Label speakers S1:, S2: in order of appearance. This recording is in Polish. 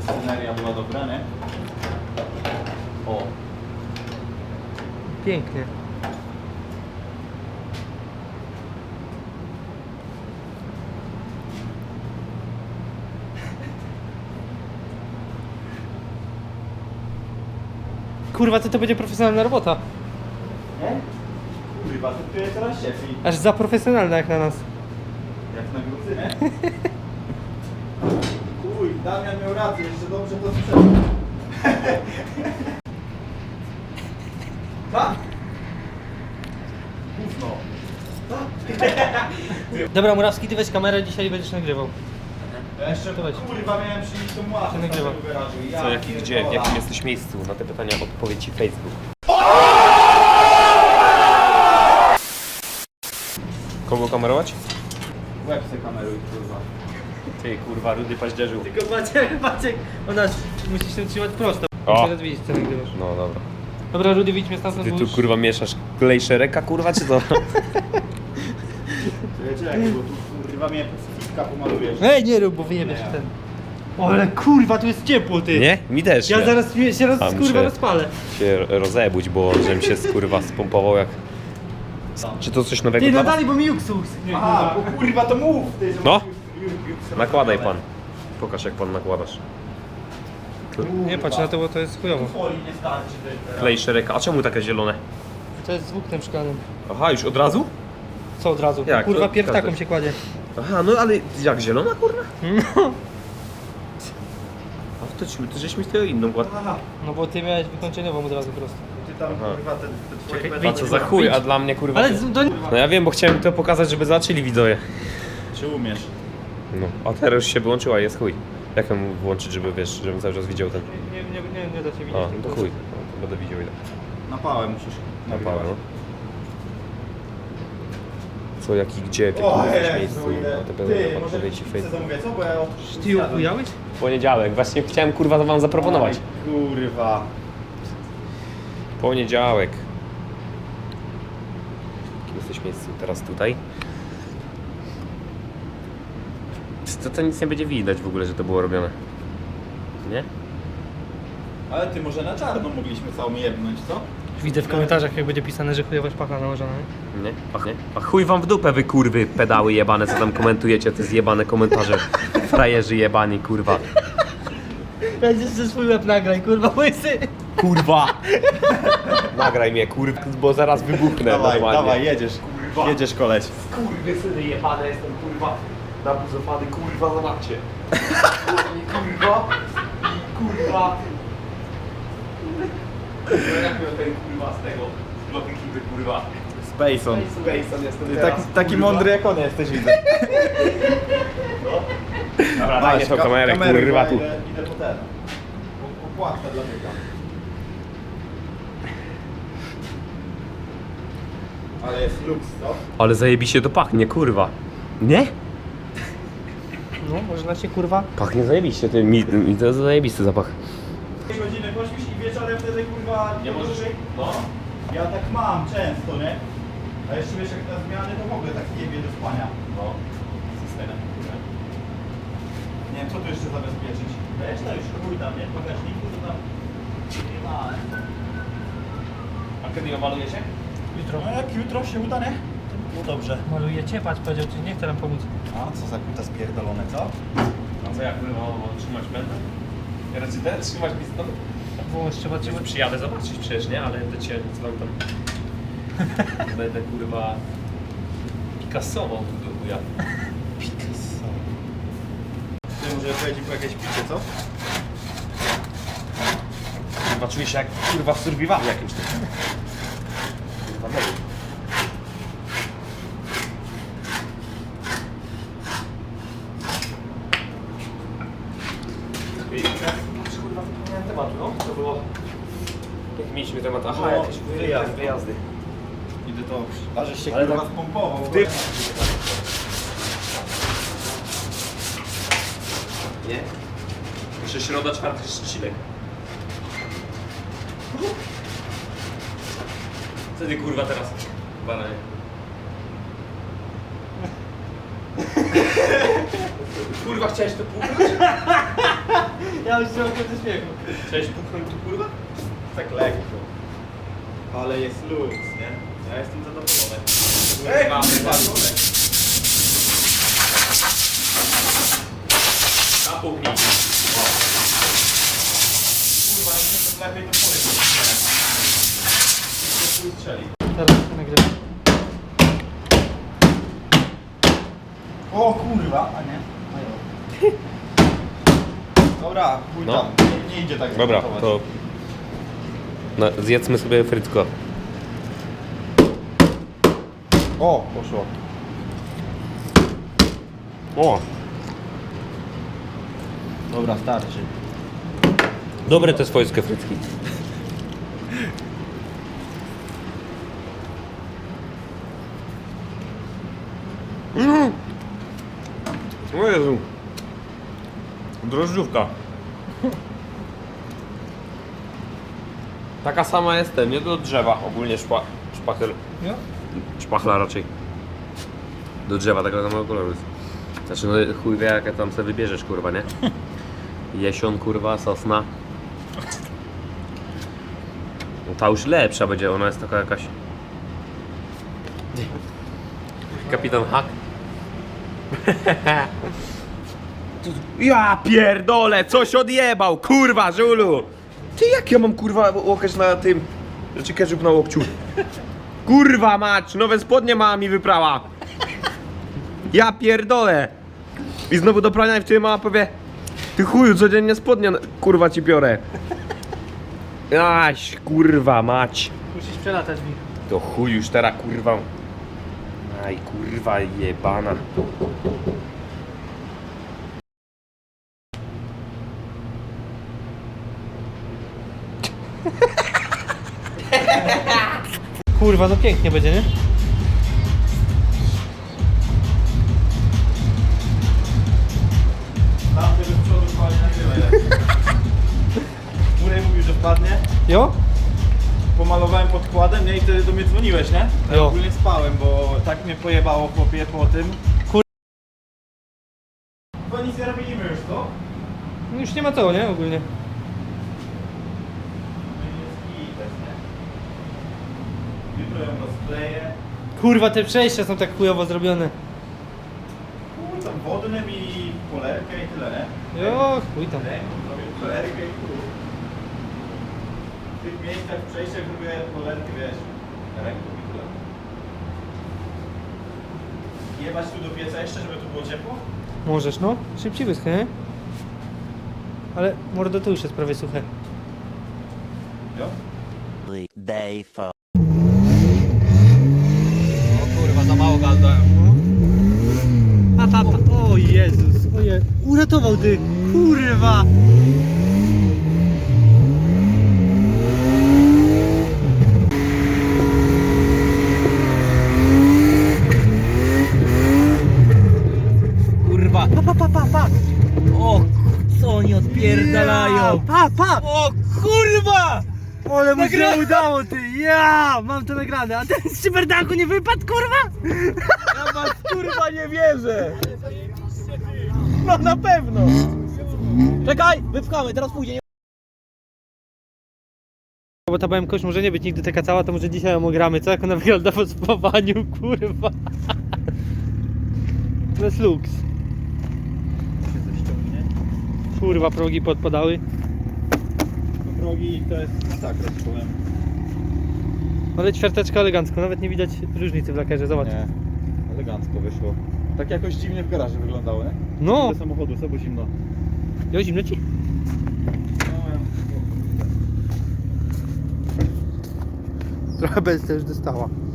S1: Sceneria była dobra, nie? O.
S2: Pięknie. Kurwa, to będzie profesjonalna robota.
S1: Nie? Kurwa, to tu jest coraz cieplej.
S2: Aż za profesjonalna jak na nas.
S1: Jak na Gruzynę. Uj, Damian miał rację, jeszcze dobrze to słyszałem. Tak? Gówno.
S2: Dobra, Murawski, ty weź kamerę, dzisiaj będziesz nagrywał.
S1: Ja jeszcze
S2: To weź.
S1: kurwa miałem przynieść tą łapę
S2: Się nagrywa.
S1: z tego garażu. Ja
S3: Co, jaki, gdzie, w
S1: pierdolę.
S3: jakim jesteś miejscu? Na te pytania odpowie ci Facebook. Kogo kamerować?
S1: Łeb se kameruj, kurwa.
S3: Ty, kurwa, rudy paździerzu.
S2: Tylko Maciek, ona musisz się trzymać prosto.
S3: O.
S2: Teraz widzieć, co nagrywasz.
S3: No dobra.
S2: Dobra, Rudy, wyjdźmy stamtąd,
S3: Ty
S2: bo
S3: tu
S2: już...
S3: kurwa mieszasz klej szereka, kurwa, czy co?
S1: Wiecie, bo tu kurwa mnie pacyfiska pomalujesz.
S2: Ej, nie rób, bo wyjebiesz ten. O, ale kurwa, tu jest ciepło, ty.
S3: Nie? Mi też.
S2: Ja zaraz się
S3: A,
S2: kurwa
S3: muszę-
S2: rozpalę.
S3: się rozebudź, bo żebym się kurwa spompował jak... Czy to coś nowego
S2: Ty,
S3: dla
S2: no
S3: was?
S2: dalej, bo mi uksus.
S1: Aha, bo kurwa to mów! Ty, że
S3: No.
S1: już
S3: Nakładaj pan. Pokaż jak pan nakładasz.
S2: Nie patrz na to, bo to jest chujowo.
S1: Folii nie starczy. Ty.
S3: Klej szereka. A czemu takie zielone?
S2: To jest z włóknem szklanym.
S3: Aha, już od razu?
S2: Co od razu?
S3: Jak?
S2: Kurwa,
S3: To
S2: piertaką
S3: każdy.
S2: się kładzie.
S3: Aha, no ale jak zielona kurwa?
S2: No.
S3: A to żeśmy z tego inną kładł.
S1: Aha,
S2: No bo ty miałeś wykończeniową od razu prosto.
S1: ty tam
S3: Aha.
S1: kurwa te twoje
S2: Czekaj,
S1: pedale-
S3: A co za chuj, a dla mnie kurwa...
S2: Ale do...
S3: No ja wiem, bo chciałem to pokazać, żeby zobaczyli widzowie.
S1: Czy umiesz?
S3: No, a teraz już się wyłączyła, jest chuj. Jak ją włączyć, żeby wiesz, żebym cały czas widział ten...
S2: Nie da się widzieć.
S3: A, no to chuj. No, to będę widział ile.
S1: Na pałę musisz.
S3: Na pałę, no. Co, jak i gdzie, w
S1: O
S3: jakim jesteś
S1: Jezu,
S3: miejscu,
S1: ile.
S3: a te
S1: Ty,
S3: będę
S1: może
S3: odpowiedzi
S1: pizzę
S3: Facebook.
S1: zamówię, co? Bo ja
S2: Ty upujałeś?
S3: Poniedziałek, właśnie chciałem kurwa wam zaproponować.
S1: Aj, kurwa.
S3: Poniedziałek. W jakim jesteś miejscu? Teraz tutaj. To nic nie będzie widać w ogóle, że to było robione. Nie?
S1: Ale ty może na czarno mogliśmy całą jebnąć, co?
S2: Widzę w komentarzach, jak będzie pisane, że chujowa szpachla nałożona.
S3: Nie? Ach, nie? A chuj wam w dupę, wy kurwy, pedały jebane, co tam komentujecie, te zjebane komentarze. Frajerzy jebani, kurwa.
S2: Będziesz ze swój łeb nagraj, kurwa, łysy.
S3: Kurwa! Nagraj mnie, kurwa, bo zaraz wybuchnę
S1: Dawaj,
S3: normalnie.
S1: dawaj, jedziesz.
S3: Kurwa.
S1: Jedziesz koleć.
S3: Kurwy syny jebane, jestem kurwa nabuzowany, kurwa, zobaczcie. Kurwa. Kurwa. Jak miał ten kurwa z tego, z bloku ekipy, kurwa.
S1: Spacon.
S3: Spacon jestem
S1: Ty
S3: teraz,
S1: taki
S3: kurwa.
S1: mądry jak on jesteś, widzę.
S3: Dobra, daj tą kamerę, kurwa, tu.
S1: Idę po ten. Po płatkę dla biega. Ale jest luks, to?
S3: Ale zajebiście to pachnie, kurwa. Nie?
S2: No, można się kurwa...
S3: Pachnie zajebiście, mi to zajebisty zapach.
S1: 2 godziny pośpisz i wieczorem wtedy kurwa...
S3: Nie możesz?
S1: No. Ja tak mam często, nie? A jeszcze wiesz jak na zmiany to mogę tak jebie do spania.
S3: No, systemem, kurwa.
S1: Nie wiem co tu jeszcze zabezpieczyć. Wiesz to już chuj tam, nie? W bagażniku to tam... Nie ma.
S3: A kiedy ją malujecie?
S2: Jutro.
S1: No jak jutro się uda, nie? To by było dobrze.
S2: Maluje cię, patrz, powiedział ci, nie chce nam pomóc.
S1: A co za kuta spierdolone, co?
S3: A co, jak kurwa trzymać będę? Ja raczej ten trzymać pistolet?
S2: Włącz, trzeba cię...
S3: Przyjadę zobaczyć przecież, nie? Ale będę cię dzwoń tam. Będę kurwa Picassował tu do chuja.
S1: Picasso. Ty może pojedzie po jakieś picie, co?
S3: Kurwa czuję się jak kurwa w survivalu jakimś tym. Kurwa mega. Kurwa zapomniałem tematu, no? To było... Jak mieliśmy temat? Aha,
S1: No,
S3: jakieś
S1: wyjazd.
S3: wyjazdy.
S1: Idę to... A żeś się
S3: Ale
S1: kurwa
S3: tak-
S1: spompował.
S3: Ty- Nie? Jeszcze środa, czwartek, trzcinek. Co ty kurwa teraz? Bananie. Kurwa, chciałeś to puchnąć?
S2: Ja już zrobię ze śmiechu.
S3: Chciałeś puchnąć tu, kurwa?
S1: Tak lekko. Ale jest luz, nie? Ja jestem zadowolony.
S3: Kurwa,
S1: Kurwa,
S3: Napuchnij.
S1: kurwa, to lepiej to powiem. Nie strzeli.
S2: Teraz to nagrywam.
S1: O kurwa, a nie? Dobra, chuj
S4: No.
S1: tam. Nie idzie tak
S4: Dobra,
S1: zmontować.
S4: to no, zjedzmy sobie frytko.
S1: O, poszło.
S4: O,
S1: Dobra, starczy.
S4: dobre te swojskie frytki. O Jezu. Drożdżówka. Taka sama jestem, nie do drzewa, ogólnie szpachel.
S2: Jo?
S4: Szpachla raczej. Do drzewa takiego samego koloru jest. Znaczy no chuj wie jakie tam sobie wybierzesz kurwa, nie? Jesion kurwa, sosna. No ta już lepsza będzie, ona jest taka jakaś... Kapitan Hack. Ja pierdolę, coś odjebał, kurwa, żulu! Ty jak ja mam kurwa łokieć na tym... Znaczy ketchup na łokciu. Kurwa mać, nowe spodnie mama mi wyprała. Ja pierdolę. I znowu do prania i wtedy mama powie: ty chuju, codziennie spodnie kurwa ci biorę. Aś, kurwa mać.
S2: Musisz przelatać mi.
S4: To chuj już teraz kurwa. Aj kurwa jebana.
S2: Kurwa, no pięknie będzie, nie?
S1: Tam tego z przodu wpadnie nagrywaj. Murej mówił, że wpadnie.
S2: Jo?
S1: Pomalowałem podkładem, nie? I wtedy do mnie dzwoniłeś, nie? Ja
S2: Jo.
S1: ogólnie spałem, bo tak mnie pojebało chłopie po tym.
S2: Kur-
S1: Chyba nic nie robimy już, to?
S2: No już nie ma co, nie? Ogólnie.
S1: No i jest gites, nie? Jutro ją rozkleję.
S2: Kurwa, te przejścia są tak chujowo zrobione.
S1: Chuj tam wodnym i polerkę i tyle, nie?
S2: Jo, chuj tam.
S1: Ręką zrobię polerkę i chuj. W tych miejscach w przejściach robię polerkę, wiesz, ręką i tyle. Jebać tu do pieca jeszcze, żeby tu było ciepło?
S2: Możesz, no. Szybciej wyschnie, nie? Ale mordo, tu już jest prawie suche.
S1: Jo?
S5: Day 4.
S3: O kurwa, za mało gaz dałem.
S2: O Jezus, oje. Uratował ty, kurwa.
S3: Kurwa.
S2: Pa.
S3: O, co oni odpierdalają?
S2: Pa.
S3: O kurwa!
S2: Ale mu się udało, ty. Ja, mam to nagrane. A ten z szyberdaku nie wypadł, kurwa?
S3: Ja was kurwa nie wierzę! No na pewno! Czekaj, wypchamy, teraz pójdzie.
S2: Bo ta BMK już może nie być nigdy taka cała, to może dzisiaj ją ogramy, co? Jak ona wygląda po spawaniu, kurwa. Bez lux.
S1: Się coś ściągnie.
S2: Kurwa, progi podpadały.
S1: No progi to jest masakra, ci powiem.
S2: Ale ćwiarteczka elegancko, nawet nie widać różnicy w lakierze, zobacz.
S1: Nie, elegancko wyszło. Tak jakoś dziwnie w garażu wyglądało, nie?
S2: No,
S1: Do samochodu, co było zimno.
S2: jo, zimno ci? Trochę bez też dostała.